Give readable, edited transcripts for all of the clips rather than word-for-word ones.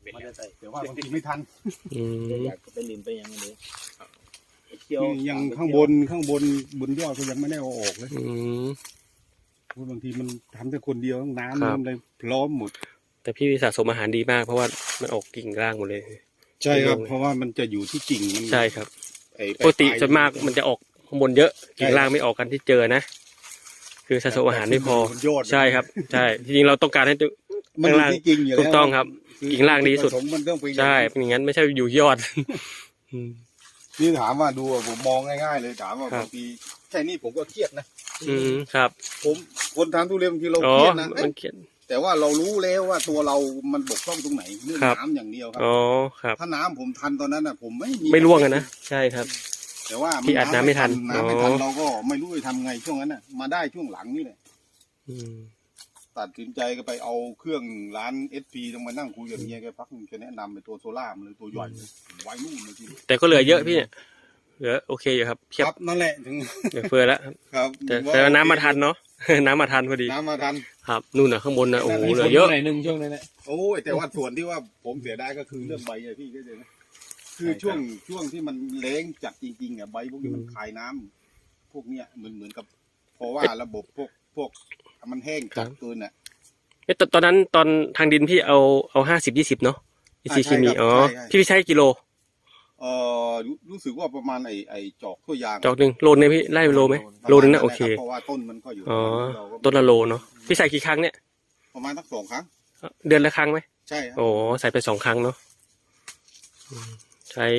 มันจะใส่แต่ว่าบางทีไม่ทันอยากไปลินไปยังไงยังข้างบนยอดก็ยังไม่ได้เอาออกเลยบางทีมันทำแต่คนเดียวน้ำมันเลยพร้อมหมดแต่พี่สะสมอาหารดีมากเพราะว่ามันออกกิ่งล่างหมดเลยใช่ครับเพราะว่ามันจะอยู่ที่กิ่งมันใช่ครับปกติส่วนมากมันจะออกข้างบนเยอะกิ่งล่างไม่ออกกันที่เจอนะคือสะสมอาหารไม่พอใช่ครับใช่จริงๆเราต้องการให้ข้างล่างถูกต้องครับกิ่งล่างดีสุดใช่เป็นอย่างนั้นไม่ใช่อยู่ยอดนี่ถามว่าดูผมมองง่ายๆเลยถามว่าบางทีแค่นี้ผมก็เครียดนะครับผมคนทำทุเรียนบางทีเราเครียดนะแต่ว่าเรารู้แล้วว่าตัวเรามันบกพร่องตรงไหนเรื่องน้ำอย่างเดียวครับอ๋อครับถ้าน้ำผมทันตอนนั้นน่ะผมไม่ร่วงกันนะใช่ครับแต่ว่าพี่อัดน้ำไม่ทันเราก็ไม่รู้จะทำไงช่วงนั้นน่ะมาได้ช่วงหลังนี่แหละตัดสินใจก็ไปเอาเครื่องร้านSPต้องมานั่งคุยกับเมียแกพักนึงจะแนะนำไปตัวโซล่ามันเลยตัวใหญ่ไว้นู่นเลยทีแต่ก็เหลือเยอะพี่เนี่ยเหลือโอเคอยู่ครับครับนั่นแหละถึงเหลือเฟือแล้วครับแต่น้ำมาทันเนาะน้ำมาทันพอดีน้ำมาทันครับนู่นน่ะข้างบนน่ะโอ้โหเหลือเยอะหนึ่งช่วงนั้นแหละโอ้ยแต่ว่าส่วนที่ว่าผมเสียดายก็คือเรื่องใบอะพี่ก็เลยนะคือช่วงที่มันแล้งจัดจริงๆอ่ะใบพวกนี้มันคายน้ำพวกเนี้ยเหมือนกับเพราะว่าระบบพวกมันแห้งจัดเกินอ่ะตอนนั้นตอนทางดินพี่เอา50-20เนาะECเคมีอ๋อพี่ใช้กิโลรู้สึกว่าประมาณไอ้จอกตัวยางจอกหนึ่งโลนึงพี่ไล่โลไหมโลนึงนะโอเคเพราะว่าต้นมันก็อยู่อ๋อต้นละโลเนาะพี่ใส่กี่ครั้งเนี่ยประมาณสัก2 ครั้งเดือนละครั้งไหมใช่โอ้ใส่ไป2 ครั้งเนาะใช้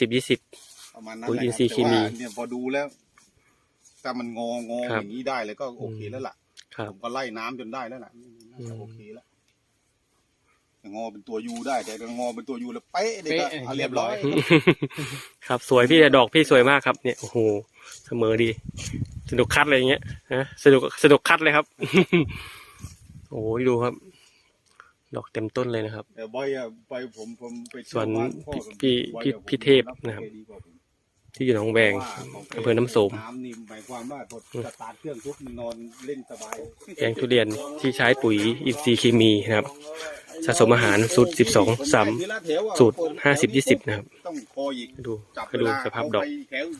50-20 ประมาณนั้นปุ๋ยอินทรีย์เคมีเนี่ยพอดูแล้วถ้ามันงออย่างนี้ได้เลยก็โอเคแล้วล่ะผมก็ไล่น้ำจนได้แล้วล่ะโอเคแล้วงอเป็นตัวยูได้แต่งอเป็นตัวยูแล้วเป๊ะเลยก็เรียบร้อยครับสวยพี่แต่ดอกพี่สวยมากครับเนี่ยโอ้โหเสมอดีสนุกคัดอะไรอย่างเงี้ยนะสนุกคัดเลยครับโอ้ยดูครับดอกเต็มต้นเลยนะครับใบผมไปส่วนพี่เทพนะครับที่อยู่หนองแวงอำเภอน้ำโสมน้ำนี่หมายความว่าสตาร์ทเครื่องทุกนอนเล่นสบายแปลงทุเรียนที่ใช้ปุ๋ยอินทรีย์เคมีนะครับสะสมอาหารสูตร12-3สูตร50-20นะครับให้ดูสภาพดอก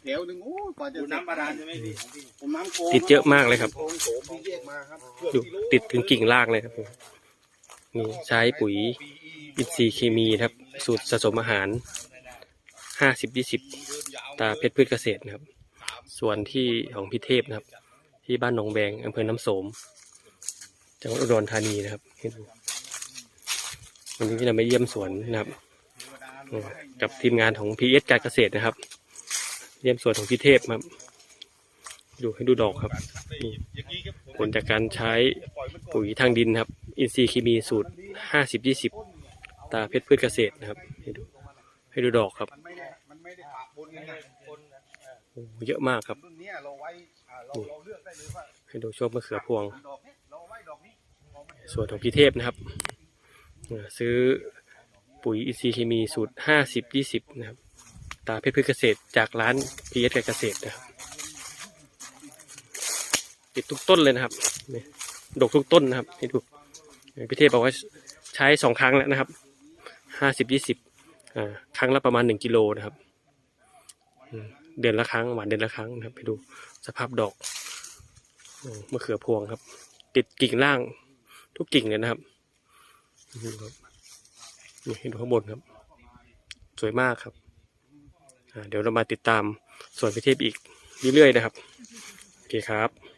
ติดเยอะมากเลยครับดูติดถึงกิ่งรากเลยครับนี่ใช้ปุ๋ยอินทรีย์เคมีครับสูตรสะสมอาหาร50-20ตาเพชรพืชเกษตรนะครับส่วนที่ของพี่เทพนะครับที่บ้านหนองแวงอำเภอน้ำโสมจังหวัดอุดรธานีนะครับวันนี้เราไปเยี่ยมสวนนะครับกับทีมงานของ PS การเกษตรนะครับเยี่ยมสวนของพี่เทพครับให้ดูดอกครับผลจากการใช้ปุ๋ยทางดินครับอินทรีย์เคมีสูตร50-20ตาเพชรพืชเกษตรนะครับให้ดูดอกครับโอ้เยอะมากครับให้ดูช่วงมะเขือพวงส่วนของพี่เทพนะครับซื้อปุ๋ยอินทรีย์เคมีสูตร50-20นะครับตาเพชรพืชเกษตรจากร้านพีเอสการเกษตรนะครับติดทุกต้นเลยนะครับดกทุกต้นนะครับให้ดูพี่เทพบอกว่าใช้2 ครั้งแล้วนะครับ50-20ครั้งละประมาณ1 กิโลนะครับเดือนละครั้งหวานเดือนละครั้งนะครับให้ดูสภาพดอกมะเขือพวงครับติดกิ่งล่างทุกกิ่งเลยนะครับนี่ให้ดูข้างบนครับสวยมากครับเดี๋ยวเรามาติดตามส่วนพิเทพอีกเรื่อยๆนะครับโอเคครับ